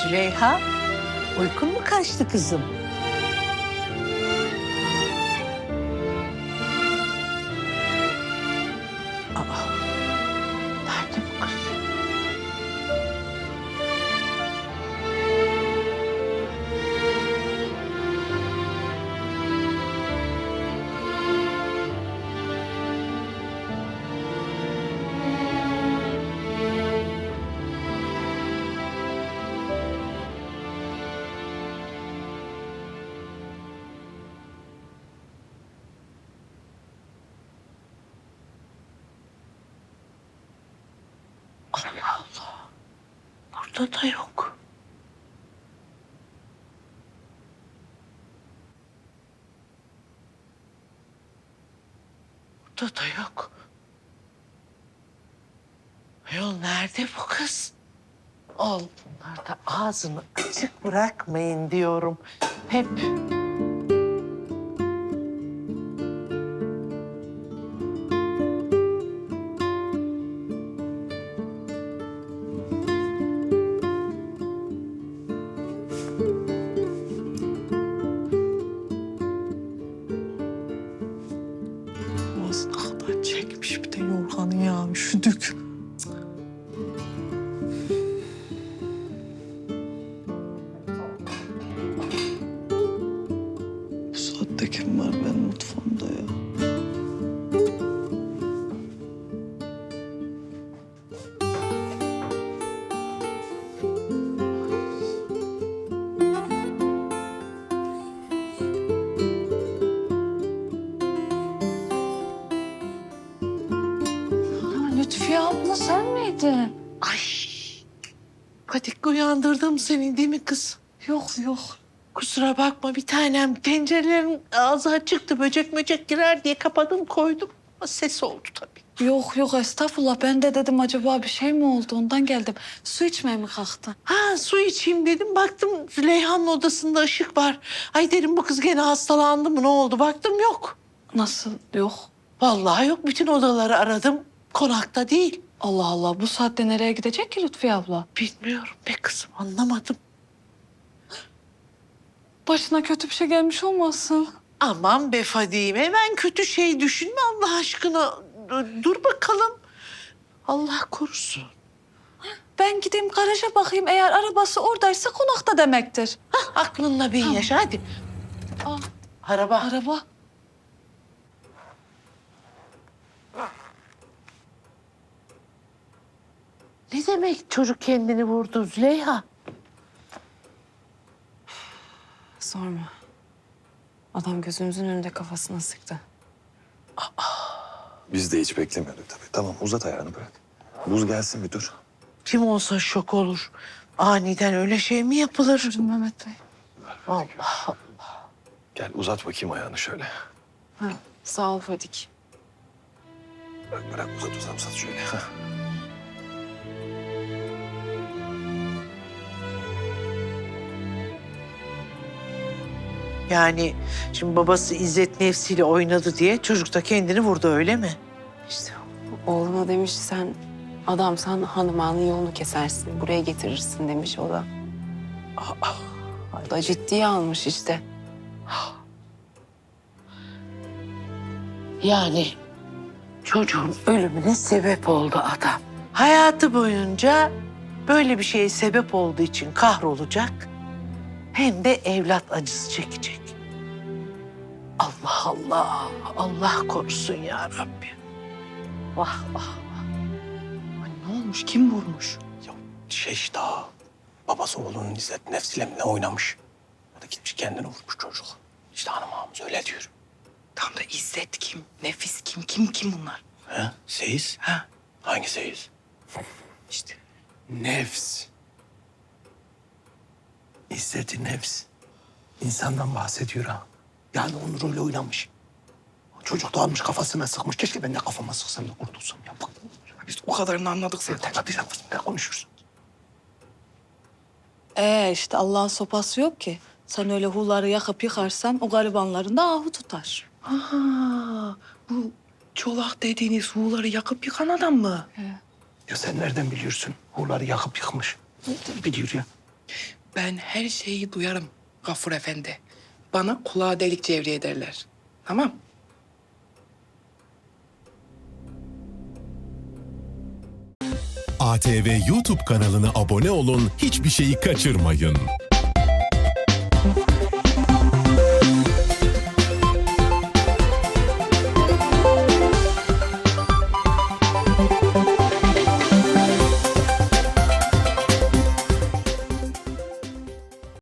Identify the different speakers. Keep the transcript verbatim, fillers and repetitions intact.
Speaker 1: Züleyha, uykun mu kaçtı kızım? Aa, nerede bu kız? Allah Allah. Burada da yok. Burada da yok. Ayol nerede bu kız? Al bunlar da ağzını açık bırakmayın diyorum. Hep. Ağzına kadar çekmiş bir de yorganı ya üşüdük. Bu saatte kim var benim mutfağımda ya?
Speaker 2: Lütfiye abla sen miydin?
Speaker 1: Ay. Patik uyandırdım seni değil mi kız?
Speaker 2: Yok yok.
Speaker 1: Kusura bakma bir tanem. Tencerelerin ağzı açıktı. Böcek möcek girer diye kapadım koydum. Ama ses oldu tabii.
Speaker 2: Yok yok estağfurullah. Ben de dedim acaba bir şey mi oldu ondan geldim. Su içmeye mi kalktın?
Speaker 1: Ha su içeyim dedim. Baktım Züleyha'nın odasında ışık var. Ay dedim bu kız gene hastalandı mı ne oldu? Baktım yok.
Speaker 2: Nasıl yok?
Speaker 1: Vallahi yok. Bütün odaları aradım. Konakta değil.
Speaker 2: Allah Allah bu saatte nereye gidecek ki Lütfiye abla?
Speaker 1: Bilmiyorum be kızım anlamadım.
Speaker 2: Başına kötü bir şey gelmiş olmasın?
Speaker 1: Aman be Fadime hemen kötü şey düşünme Allah aşkına. Dur- Dur bakalım. Allah korusun.
Speaker 2: Ben gideyim garaja bakayım. Eğer arabası oradaysa konakta demektir.
Speaker 1: Hah, aklınla bin
Speaker 2: Tamam.
Speaker 1: yaşa hadi.
Speaker 2: Aa,
Speaker 1: Araba.
Speaker 2: araba.
Speaker 1: Ne demek çocuk kendini vurdu Züleyha?
Speaker 3: Sorma. Adam gözümüzün önünde kafasına sıktı.
Speaker 4: Biz de hiç beklemiyorduk tabii. Tamam uzat ayağını bırak. Buz gelsin bir dur.
Speaker 1: Kim olsa şok olur. Aniden öyle şey mi yapılır?
Speaker 2: Buyurun Mehmet Bey.
Speaker 1: Allah.
Speaker 4: Gel uzat bakayım ayağını şöyle.
Speaker 3: Ha, sağ ol Fadik.
Speaker 4: Bırak bırak uzat uzat uzat şöyle. Hah.
Speaker 1: Yani şimdi babası İzzet nefsiyle oynadı diye çocuk da kendini vurdu öyle mi?
Speaker 3: İşte oğluna demiş sen adamsan hanımanın yolunu kesersin. Buraya getirirsin demiş o da. O da ciddiye almış işte.
Speaker 1: Yani çocuğun ölümüne sebep oldu adam. Hayatı boyunca böyle bir şeye sebep olduğu için kahrolacak. Hem de evlat acısı çekecek. Allah Allah, Allah korusun ya Rabbi. Vah vah.
Speaker 2: Ne olmuş? Kim vurmuş?
Speaker 5: Ya şey işte ha, babası oğlunun İzzet nefsiyle mi ne oynamış? O da gitmiş kendini vurmuş çocuk. İşte hanım ağamız öyle diyor.
Speaker 6: Tam da İzzet kim? Nefis kim? Kim kim bunlar?
Speaker 5: He? Seyiz?
Speaker 6: Ha?
Speaker 5: Hangi seyiz?
Speaker 6: İşte
Speaker 5: Nefs. İzzet-i nefs. İnsandan bahsediyor ha. Yani onun rolü oynamış. Çocuk da almış kafasına sıkmış. Keşke ben de kafama sıksam da kurtulsam ya. Bak,
Speaker 6: biz o kadarını anladık
Speaker 5: sen
Speaker 6: zaten.
Speaker 5: tek atacağım kızım. Ne konuşursun?
Speaker 2: Ee işte Allah'ın sopası yok ki. Sen öyle hulları yakıp yıkarsan o garibanların da ahu tutar.
Speaker 6: Aha, bu çolak dediğiniz huğları yakıp yıkan adam mı?
Speaker 5: Ya sen nereden biliyorsun? Hurları yakıp yıkmış. Nereden biliyor ya?
Speaker 6: Ben her şeyi duyarım Gafur Efendi. Bana kulağa delik cevriye derler. Tamam.
Speaker 7: A T V YouTube kanalına abone olun, hiçbir şeyi kaçırmayın.